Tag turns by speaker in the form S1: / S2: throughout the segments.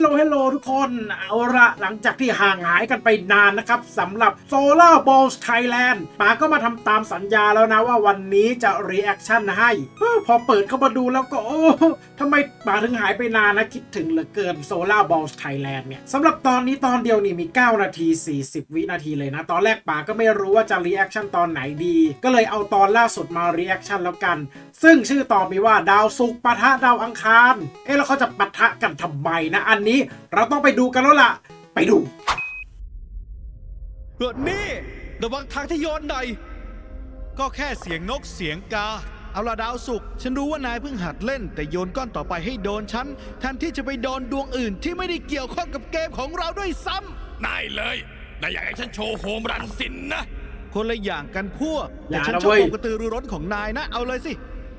S1: ฮัลโหลทุกคนเอาละหลังจากที่ห่างหายกันไปนานนะครับสำหรับ Solar Balls Thailand ป๋าก็มาทำตามสัญญาแล้วนะว่าวันนี้จะ reaction ให้พอเปิดเข้ามาดูแล้วก็โอ้ทำไมป๋าถึงหายไปนานนะคิดถึงเหลือเกิน Solar Balls Thailand เนี่ยสำหรับตอนนี้ตอนเดียวนี่มี9 นาที 40 วินาทีเลยนะตอนแรกป๋าก็ไม่รู้ว่าจะ reaction ตอนไหนดีก็เลยเอาตอนล่าสุดมา reaction แล้วกันซึ่งชื่อตอนมีว่าดาวศุกร์ปะทะดาวอังคารแล้วเขาจะปะทะกันทำไมนะอันนี้เราต้องไปดูกันแล้วล่ะไปดู
S2: นี่ระวังทางที่โยนหน่อยก็แค่เสียงนกเสียงกาเอาละดาวศุกร์ฉันรู้ว่านายเพิ่งหัดเล่นแต่โยนก้อนต่อไปให้โดนฉันแทนที่จะไปโดนดวงอื่นที่ไม่ได้เกี่ยวข้องกับเกมของเราด้วยซ้
S3: ำนายเลยนายอยากให้ฉันโชว์โฮมรันสินนะ
S2: คนละอย่างกันพวกแต่ฉันชอบความกระตือรือร้นของนายนะเอาเลยสิ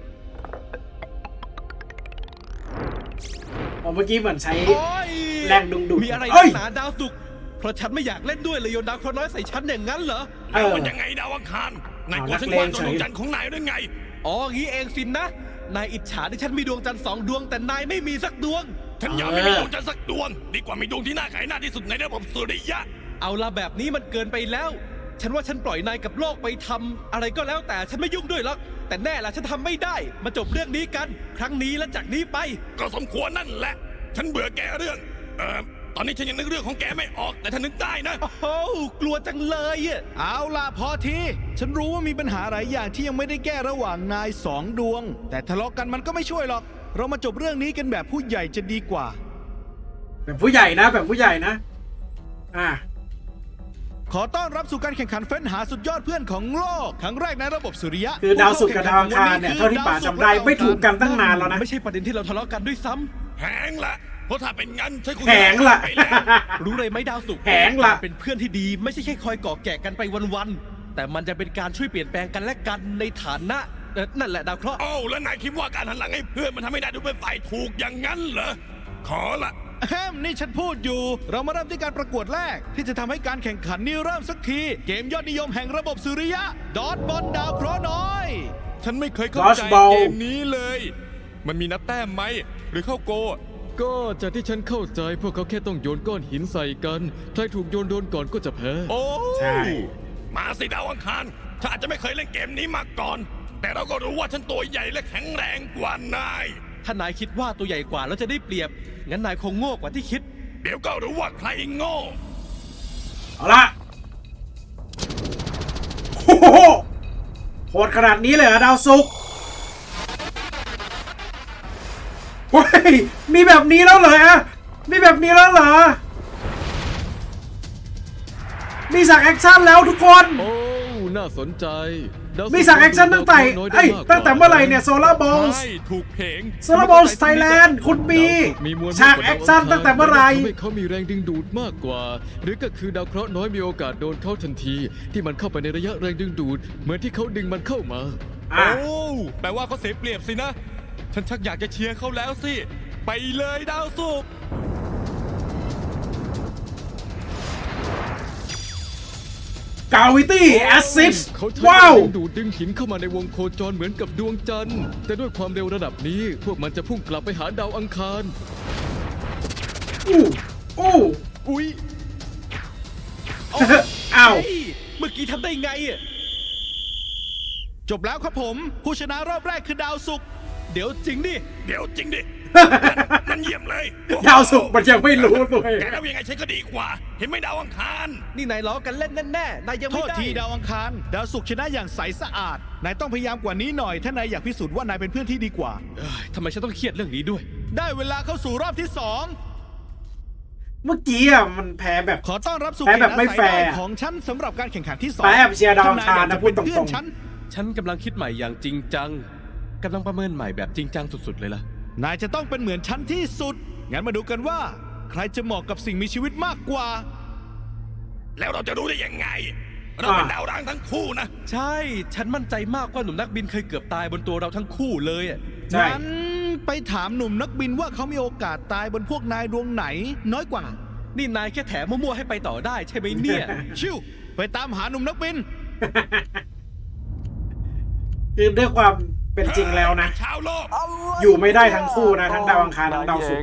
S1: เมื่อกี้เหมือนใช้แรงดึงดูด
S2: มีอะไรหนาดาวศุกร์เพราะฉันไม่อยากเล่นด้วยเลยโยนดาวเคราะห์น้อยใส่ฉันอย่างนั้นเหรอ
S3: แล้วมันยังไงดาวอังคารนายกลัวฉันวางดวงจันทร์ของนายด้วยไง
S2: อ๋องี้เองสินนะนายอิจฉาที่ฉันมีดวงจันทร์2 ดวงแต่นายไม่มีสักดวง
S3: ฉันยอมไม่มีดวงจันทร์สักดวงดีกว่ามีดวงที่น่าขายหน้าที่สุดในระบบสุริยะ
S2: เอาละแบบนี้มันเกินไปแล้วฉันว่าฉันปล่อยนายกับโลกไปทำอะไรก็แล้วแต่ฉันไม่ยุ่งด้วยหรอกแต่แน่ละฉันทำไม่ได้มาจบเรื่องนี้กันครั้งนี้และจากนี้ไป
S3: ก็สมควรนั่นแหละฉันเบื่อแกเรื่องตอนนี้ฉันยังนึกเรื่องของแกไม่ออกแต่ถ้านึกได้นะ
S2: โอ้กลัวจังเลยเอาล่ะพอทีฉันรู้ว่ามีปัญหาหลายอย่างที่ยังไม่ได้แก้ระหว่างนาย2 ดวงแต่ทะเลาะกันมันก็ไม่ช่วยหรอกเรามาจบเรื่องนี้กันแบบผู้ใหญ่จะดีกว่า
S1: แบบผู้ใหญ่นะแบบผู้ใหญ่นะ
S2: ขอต้อนรับสู่การแข่งขันเฟ้นหาสุดยอดเพื่อนของโลกครั้งแรกในระบบสุริยะ
S1: คือดาวศุกร์กับดาวอังคารเนี่ยเท่าที่ป๋าจำได้ไม่ถูกกันตั้งนานแล้วนะ
S2: ไม่ใช่ประเด็นที่เราทะเลาะกันด้วยซ้ำ
S3: แหงละเพราะถ้าเป็นงั้นฉันคง
S1: แหงละ
S2: รู้เลยไหมดาวศุกร์
S1: แหงละ
S2: เป็นเพื่อนที่ดีไม่ใช่แค่คอยก่อแก่กันไปวันๆแต่มันจะเป็นการช่วยเปลี่ยนแปลงกันและกันในฐานะนั่นแหละดาวเคราะห์
S3: แล้วนายคิดว่าการหันหลังให้เพื่อนมันทำให้นายดูเป็นฝ่ายถูกอย่างนั้นเหรอขอละ
S2: นี่ฉันพูดอยู่เรามาเริ่มที่การประกวดแรกที่จะทำให้การแข่งขันนี้เริ่มสักทีเกมยอดนิยมแห่งระบบสุริยะดอทบอลดาวเคราะห์น้อย
S3: ฉันไม่เคยเข้าใจเกมนี้เลยมันมีนับแต้มไหมหรือเข้าโก
S4: ก็จากที่ฉันเข้าใจพวกเขาแค่ต้องโยนก้อนหินใส่กันใครถูกโยนโดนก่อนก็จะแพ้
S3: โอ้ใช่มาสิดาวอังคารฉันอาจจะไม่เคยเล่นเกมนี้มาก่อนแต่เราก็รู้ว่าฉันตัวใหญ่และแข็งแรงกว่านาย
S2: ถ้านายคิดว่าตัวใหญ่กว่าแล้วจะได้เปรียบงั้นนายคงโง่กว่าที่คิด
S3: เดี๋ยวก็รู้ว่าใครโง่
S1: เอาละโหดขนาดนี้เลยเหรอดาวศุกร์เฮ้ยมีแบบนี้แล้วเหรอมีแบบนี้แล้วเหรอมีฉากแอคชั่นแล้วทุกคน
S4: โอ้น่าสนใจ
S1: มีฉากแอคชั่นตั้งแต่เมื่อไหร่เนี่ย Solar Balls
S3: ถูกเพลง
S1: Solar Balls Thailand คุณมีฉากแอคชั่นตั้งแต่เมื่อไหร่
S4: เขามีแรงดึงดูดมากกว่าหรือก็คือดาวเคราะห์น้อยมีโอกาสโดนเข้าทันทีที่มันเข้าไปในระยะแรงดึงดูดเหมือนที่เขาดึงมันเข้ามา
S3: แปลว่าเขาเสียเปรียบสินะฉันชักอยากจะเชียร์เขาแล้วสิไปเลยดาวศุกร์
S1: กาวิตี้แอสซิสว้าว
S4: ดูดดึงหินเข้ามาในวงโคจรเหมือนกับดวงจันทร์แต่ด้วยความเร็วระดับนี้พวกมันจะพุ่งกลับไปหาดาวอังคาร
S2: อุ้ย
S1: อ้าว
S2: เมื่อกี้ทำได้ไงจบแล้วครับผมผู้ชนะรอบแรกคือดาวศุกร์เดี๋ยวจริงดิ
S3: มันเยี่ยมเลย
S1: ดาวศุกร์มันยังไม่รู้เลย
S3: แกแล้วยังไงฉันก็ดีกว่าเห็นไหมดาวอังคาร
S2: นี่นายล้อกันเล่นแน่ๆนายยังไม่ได้โทษทีดาวอังคารดาวศุกร์ชนะอย่างใสสะอาดนายต้องพยายามกว่านี้หน่อยถ้านายอยากพิสูจน์ว่านายเป็นเพื่อนที่ดีกว่าทำไมฉันต้องเครียดเรื่องนี้ด้วยได้เวลาเข้าสู่รอบที่2
S1: เมื่อกี้มันแพ้แบบ
S2: ขอต้อนรับสู่
S1: แพ้แบบไม่แฟร์
S2: ของฉันสำหรับการแข่งขันที่2
S1: แพ้แบบเชียร์ดาวอังคารนะพูดตรง
S2: ๆฉันกำลังคิดใหม่อย่างจริงจังกำลังประเมินใหม่แบบจริงจังสุดๆเลยล่ะนายจะต้องเป็นเหมือนฉันที่สุดงั้นมาดูกันว่าใครจะเหมาะกับสิ่งมีชีวิตมากกว่า
S3: แล้วเราจะรู้ได้ยังไงเราเป็นดาวร้างทั้งคู่นะ
S2: ใช่ฉันมั่นใจมากว่าหนุ่มนักบินเคยเกือบตายบนตัวเราทั้งคู่เลยงั้นไปถามหนุ่มนักบินว่าเขามีโอกาสตายบนพวกนายดวงไหนน้อยกว่านี่นายแค่แถมมั่วๆให้ไปต่อได้ใช่ไหมเนี่ยชิวไปตามหาหนุ่มนักบิน
S1: คือด้วยความเป็นจริงแล้วนะอยู่ไม่ได้ทั้งคู่นะทั้งดาวอังคารทั้งดาวศุกร์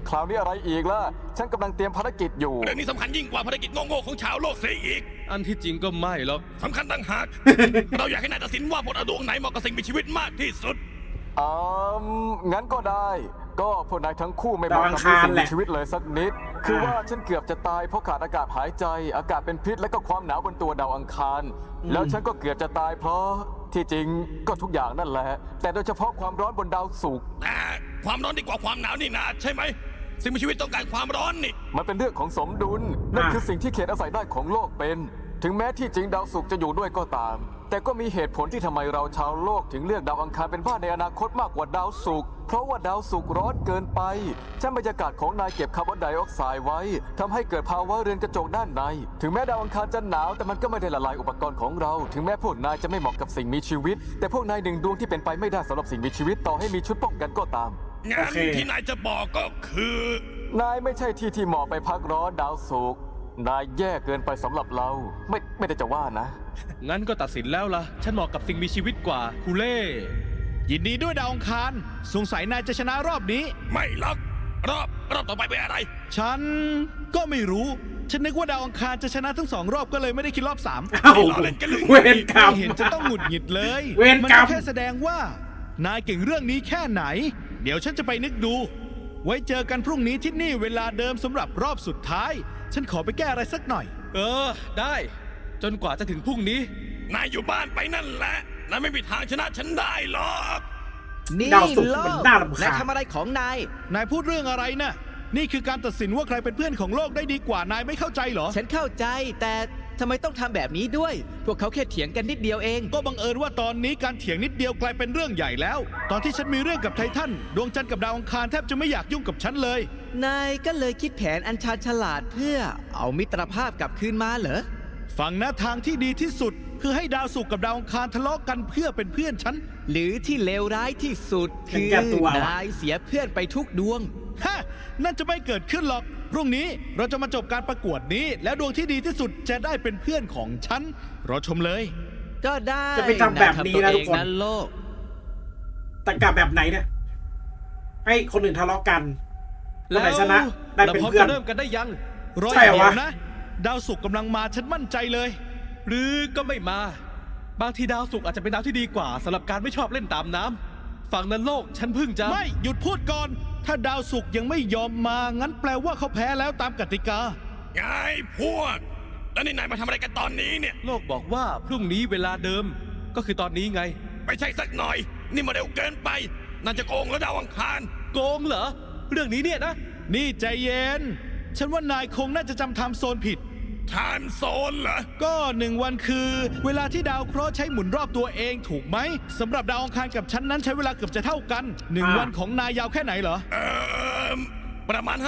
S5: คราวนี้อะไรอีกล่ะ ฉันกำลังเตรียมภารกิจอยู่
S3: เรื่องนี้สำคัญยิ่งกว่าภารกิจโง่ๆของชาวโลกเสียอีก
S2: อันที่จริงก็ไม่หรอก
S3: สำคัญต่างหาก เราอยากให้นายตัดสินว่าพลดวงไหนเหมาะกับสิ่งมีชีวิตมากที่สุด
S5: งั้นก็ได้ ก็พวกนายทั้งคู่ไม่เหมาะกับสิ่งมีชีวิตเลยสักนิด คือว่าฉันเกือบจะตายเพราะขาดอากาศหายใจ อากาศเป็นพิษและก็ความหนาวบนตัวดาวอังคาร แล้วฉันก็เกือบจะตายเพราะที่จริงก็ทุกอย่างนั่นแหละ แต่โดยเฉพาะความร้อนบนดาวศุกร์
S3: แต่ความร้อนดีกว่าความหนาวนี่นาใช่ไหม สิ่งมีชีวิตต้องการความร้อนนี่
S5: มันเป็นเรื่องของสมดุล นั่นคือสิ่งที่เขตอาศัยได้ของโลกเป็น ถึงแม้ที่จริงดาวศุกร์จะอยู่ด้วยก็ตาม แต่ก็มีเหตุผลที่ทำไมเราชาวโลกถึงเลือกดาวอังคารเป็นบ้านในอนาคตมากกว่าดาวศุกร์ เพราะว่าดาวศุกร์ร้อนเกินไปชั้นบรรยากาศของนายเก็บคาร์บอนไดออกไซด์ไว้ทำให้เกิดภาวะเรือนกระจกด้านใน ถึงแม้ดาวอังคารจะหนาวแต่มันก็ไม่ได้ละลายอุปกรณ์ของเรา ถึงแม้พวกนายจะไม่เหมาะกับสิ่งมีชีวิต แต่พวกนายหนึ่งดวงที่เป็นไปไม่ได้สำหรับสิ่งมีชีวิตต่อให้มีชุดป้องกันก็ตาม
S3: งานที่นายจะบอกก็คือ
S5: นายไม่ใช่ที่เหมาะไปพักร้อนดาวศุกร์ นายแย่เกินไปสำหรับเรา ไม่ได้จะว่านะ
S2: งั้นก็ตัดสินแล้วล่ะ ฉันเหมาะกับสิ่งมีชีวิตกว่าฮูเล่ยินดีด้วยดาวอังคาร สงสัยนายจะชนะรอบนี้
S3: ไม่หรอกรอบต่อไปเป็นอะไร
S2: ฉันก็ไม่รู้ ฉันนึกว่าดาวอังคารจะชนะทั้ง2 รอบก็เลยไม่ได้คิดรอบ 3
S1: เอ้า
S3: นี่ล้อเล่นกันหรือไง
S1: เวรกรรม
S2: ไม่เห็นจะต้องหงุดหงิดเลย
S1: เวร
S2: มั
S1: กรรม
S2: ก็แค่แสดงว่า นายเก่งเรื่องนี้แค่ไหน เดี๋ยวฉันจะไปนึกดู ไว้เจอกันพรุ่งนี้ที่นี่เวลาเดิมสำหรับรอบสุดท้าย ฉันขอไปแก้อะไรสักหน่อย ได้ จนกว่าจะถึงพรุ่งนี้
S3: นายอยู่บ้านไปนั่นแหละ นายไม่มีทางชนะฉันได้หรอก
S6: นี่
S1: ดาวศุกร์
S6: โล
S1: มัน
S6: ก
S1: น่ารำคาญ
S6: นายทำอะไรของนาย
S2: นายพูดเรื่องอะไรนะนี่คือการตัดสินว่าใครเป็นเพื่อนของโลกได้ดีกว่า นายไม่เข้าใจเหรอ
S6: ฉันเข้าใจแต่ทำไมต้องทำแบบนี้ด้วย พวกเขาแค่เถียงกันนิดเดียวเอง
S2: ก็บังเอิญว่าตอนนี้การเถียงนิดเดียวกลายเป็นเรื่องใหญ่แล้ว ตอนที่ฉันมีเรื่องกับไททันดวงจันทร์กับดาวอังคารแทบจะไม่อยากยุ่งกับฉันเลย
S6: นายก็เลยคิดแผนอันชาญฉลาดเพื่อเอามิตรภาพกลับคืนมาเหรอ
S2: ฟังนะทางที่ดีที่สุด คือให้ดาวศุกร์กับดาวอังคารทะเลาะกันเพื่อเป็นเพื่อนฉัน
S6: หรือที่เลวร้ายที่สุด
S1: เห็น
S6: คือ
S1: แก่ตัวว่ะ
S6: นายเสียเพื่อนไปทุกดวง
S2: ฮะ นั่นจะไม่เกิดขึ้นหรอก พรุ่งนี้เราจะมาจบการประกวดนี้ แล้วดวงที่ดีที่สุดจะได้เป็นเพื่อนของฉัน รอชมเลย
S6: ก็ได้
S1: จะไปทำแบบนี้นะ
S6: าย
S1: ทุกคน
S6: ทำตัวเองนั้นโลก
S1: แต่กลับแบบไหนเนี่ย ให้คนอื่นทะเลาะกันแล้วไหนชนะได้เป็นเพื่อน
S2: ราพร้อมจะเริ่มกันได้ยัง รอ
S1: ใช่
S2: อย่าง
S1: เหรอ
S2: เดียว
S1: วะ
S2: นะ ดาวศุกร์กำลังมาฉันมั่นใจเลย หรือก็ไม่มา บางทีดาวศุกร์อาจจะเป็นดาวที่ดีกว่าสำหรับการไม่ชอบเล่นตามน้ำฝั่งนั้นโลกฉันเพิ่งจะไม่หยุดพูดก่อน ถ้าดาวศุกร์ยังไม่ยอมมางั้นแปลว่าเขาแพ้แล้วตามกติกา
S3: ไงพวก แล้วนี่นายมาทำอะไรกันตอนนี้เนี่ย
S2: โลกบอกว่าพรุ่งนี้เวลาเดิม ก็คือตอนนี้ไง
S3: ไม่ใช่สักหน่อย นี่มาเร็วเกินไปน่าจะโกงแล้วดาวอังคาร
S2: โกงเหรอ เรื่องนี้เนี่ยนะ นี่ใจเย็น ฉันว่านายคงน่าจะจำไทม์โซนผิด
S3: ไทม์โซนเหรอ
S2: ก็1 วันคือ เวลาที่ดาวเคราะห์ใช้หมุนรอบตัวเองถูกไหมสำหรับดาวอังคารกับฉันนั้นใช้เวลาเกือบจะเท่ากัน1 วันของนายยาวแค่ไหนเหรอ
S3: ประมาณ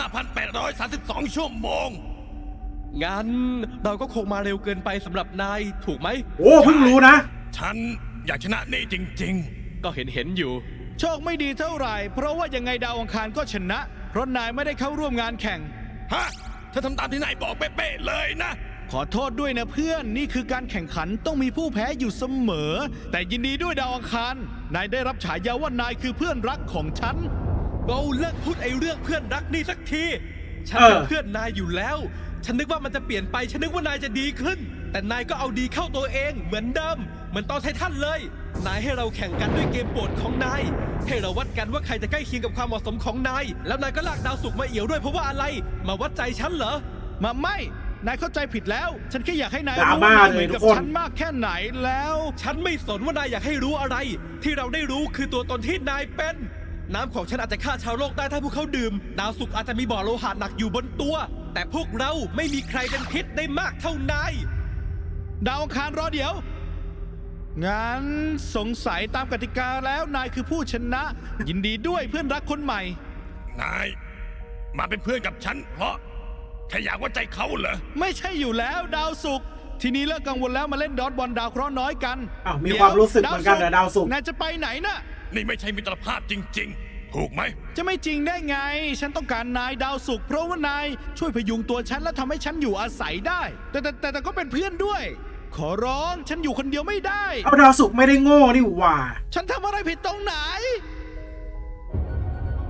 S3: 5,832 ชั่วโมง
S2: งั้นเราก็คงมาเร็วเกินไปสำหรับนายถูกไหม
S1: โอ้เพิ่งรู้นะ
S3: ฉันอยากชนะนี่จริง
S2: ก็เห็นอยู่ โชคไม่ดีเท่าไหร่ เพราะว่ายังไงดาวอังคารก็ชนะ เพราะนายไม่ได้เข้าร่วมงานแข่ง
S3: ๆ ฮะถ้าทำตามที่นายบอกเป๊ะๆเลยนะ
S2: ขอโทษด้วยนะเพื่อนนี่คือการแข่งขันต้องมีผู้แพ้อยู่เสมอ แต่ยินดีด้วยดาวอังคารนายได้รับฉายาว่านายคือเพื่อนรักของฉันเราเลิกพูดไอ้เรื่องเพื่อนรักนี่สักทีฉันเป็นเพื่อนนายอยู่แล้ว ฉันนึกว่ามันจะเปลี่ยนไปฉันนึกว่านายจะดีขึ้น แต่นายก็เอาดีเข้าตัวเองเหมือนเดิมเหมือนตอนไททันเลยนายให้เราแข่งกันด้วยเกมโปรดของนายให้เราวัดกันว่าใครจะใกล้เคียงกับความเหมาะสมของนายแล้วนายก็ลากดาวศุกร์มาเอี่ยวด้วยเพราะว่าอะไรมาวัดใจฉันเหรอมาไม่ นายเข้าใจผิดแล้ว ฉันแค่อยากให้นาย
S1: ดรา
S2: รู้
S1: ม่า
S2: ว่านาย
S1: เล
S2: เหมื
S1: ย
S2: อน
S1: ทุ
S2: กับ
S1: กคน
S2: ฉันมากแค่ไหนแล้ว ฉันไม่สนว่านายอยากให้รู้อะไร ที่เราได้รู้คือตัวตนที่นายเป็น น้ำของฉันอาจจะฆ่าชาวโลกได้ถ้าพวกเขาดื่ม ดาวศุกร์อาจจะมีบ่อโลหะหนักอยู่บนตัว แต่พวกเราไม่มีใครเป็นพิษได้มากเท่านาย ดาวอังคารรอเดี๋ยว งั้นสงสัยตามกติกาแล้วนายคือผู้ชนะ ยินดีด้วยเพื่อนรักคนใหม่
S3: นาย มาเป็นเพื่อนกับฉัน เพราะแค่อยากวัดใจเขาเหรอ
S2: ไม่ใช่อยู่แล้วดาวศุกร์ทีนี้เลิกกังวลแล้วมาเล่นดอทบอลดาวเคราะห์น้อยกัน
S1: อ้าวมีความรู้สึกเหมือนกันเหรอดาวศุกร์
S2: นายจะไปไหนน่ะ
S3: นี่ไม่ใช่มิตรภาพจริง ๆ ถูกไหม
S2: จะไม่จริงได้ไง ฉันต้องการนายดาวศุกร์เพราะว่านายช่วยพยุงตัวฉันและทำให้ฉันอยู่อาศัยได้ แต่ก็เป็นเพื่อนด้วย ขอร้องฉันอยู่คนเดียวไม่ได้
S1: เอาดาวศุกร์ไม่ได้โง่นี่หว่า
S2: ฉันทำอะไรผิดตรงไหน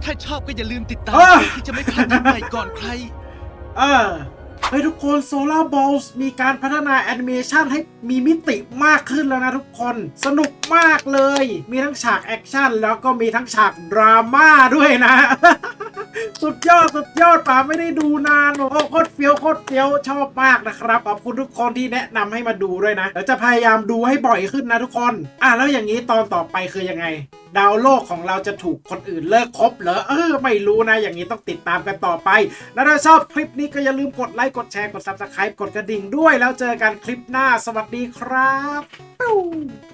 S2: ถ้าชอบก็อย่าลืมติดตาม
S1: เออ
S2: ที่จะไม่พลาดคลิปใหม่ก่อนใคร
S1: เฮ้ยทุกคน Solar Balls มีการพัฒนาแอนิเมชันให้มีมิติมากขึ้นแล้วนะทุกคนสนุกมากเลย มีทั้งฉากแอคชั่นแล้วก็มีทั้งฉากดราม่าด้วยนะ สุดยอดป่าไม่ได้ดูนานโอ้โคตรเฟี้ยวชอบมากนะครับขอบคุณทุกคนที่แนะนำให้มาดูด้วยนะเดี๋ยวจะพยายามดูให้บ่อยขึ้นนะทุกคนแล้วอย่างนี้ตอนต่อไปคือยังไง ดาวโลกของเราจะถูกคนอื่นเลิกคบเหรอไม่รู้นะอย่างนี้ต้องติดตามกันต่อไปแล้วถ้าชอบคลิปนี้ก็อย่าลืมกดไลค์กดแชร์กด Subscribe กดกระดิ่งด้วยแล้วเจอกันคลิปหน้าสวัสดีครับ